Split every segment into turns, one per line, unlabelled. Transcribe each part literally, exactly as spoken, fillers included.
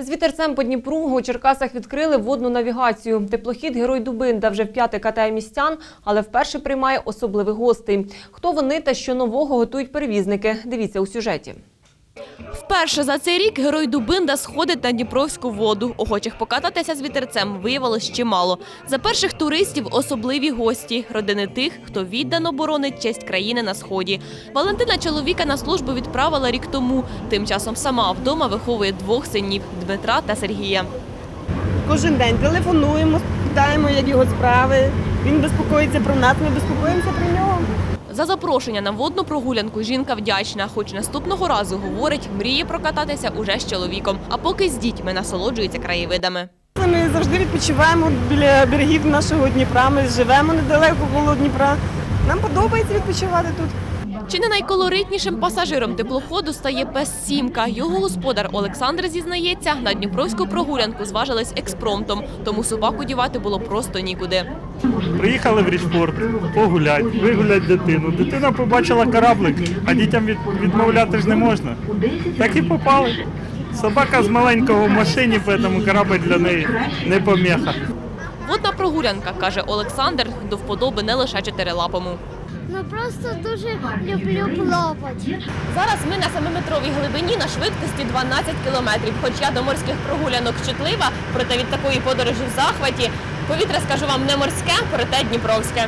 З вітерцем по Дніпру у Черкасах відкрили водну навігацію. Теплохід «Герой Дубинда» вже вп'яте катає містян, але вперше приймає особливих гостей. Хто вони та що нового готують перевізники? Дивіться у сюжеті.
Вперше за цей рік «Герой Дубинда» сходить на Дніпровську воду. Охочих покататися з вітерцем виявилось чимало. За перших туристів особливі гості – родини тих, хто віддано боронить честь країни на Сході. Валентина чоловіка на службу відправила рік тому. Тим часом сама вдома виховує двох синів – Дмитра та Сергія.
Кожен день телефонуємо, питаємо, як його справи. Він безпокоїться про нас, ми безпокоїмося про нього.
За запрошення на водну прогулянку жінка вдячна, хоч наступного разу, говорить, мріє прокататися уже з чоловіком, а поки з дітьми насолоджується краєвидами.
Ми завжди відпочиваємо біля берегів нашого Дніпра, ми живемо недалеко коло Дніпра. Нам подобається відпочивати тут.
Чи не найколоритнішим пасажиром теплоходу стає пес Сімка. Його господар Олександр зізнається, на дніпровську прогулянку зважились експромтом, тому собаку дівати було просто нікуди.
Приїхали в Річпорт погуляти, вигуляти дитину. Дитина побачила кораблик, а дітям від, відмовляти ж не можна. Так і попали. Собака з маленького в машині, тому корабль для неї не поміха.
Водна прогулянка, каже Олександр, до вподоби не лише чотирилапому.
Ну просто дуже люблю плавати.
Зараз ми на семиметровій глибині на швидкості дванадцять кілометрів. Хоч я до морських прогулянок чутлива, проте від такої подорожі в захваті. Повітря, скажу вам, не морське, проте дніпровське.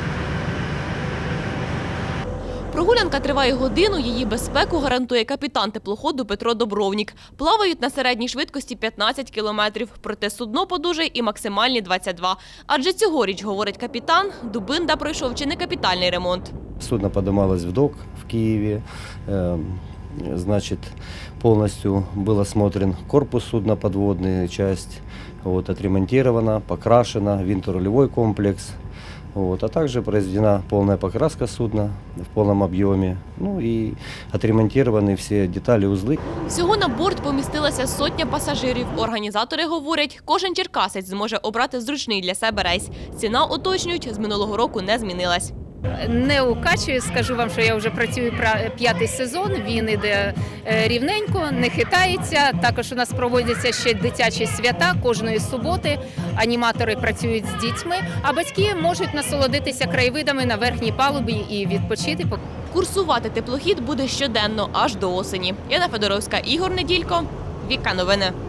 Прогулянка триває годину, її безпеку гарантує капітан теплоходу Петро Добровнік. Плавають на середній швидкості п'ятнадцять кілометрів, проте судно подужає і максимальні двадцять два. Адже цьогоріч, говорить капітан, Дубинда пройшов чи не капітальний ремонт.
Судно поднималось в док в Киеве, значит, полностью был осмотрен корпус судна, подводная часть, вот, отремонтирована, покрашена, винторулевой комплекс. Вот, а также произведена полная покраска судна в полном объеме, ну и отремонтированы все детали, узлы.
Всього на борт помістилася сотня пасажирів. Організатори говорять, кожен черкасець зможе обрати зручний для себе рейс. Ціна, уточнюють, з минулого року не змінилась.
Не укачую, скажу вам, що я вже працюю п'ятий сезон, він іде рівненько, не хитається. Також у нас проводяться ще дитячі свята кожної суботи, аніматори працюють з дітьми, а батьки можуть насолодитися краєвидами на верхній палубі і відпочити.
Курсувати теплохід буде щоденно, аж до осені. Яна Федоровська, Ігор Неділько, Віка Новини.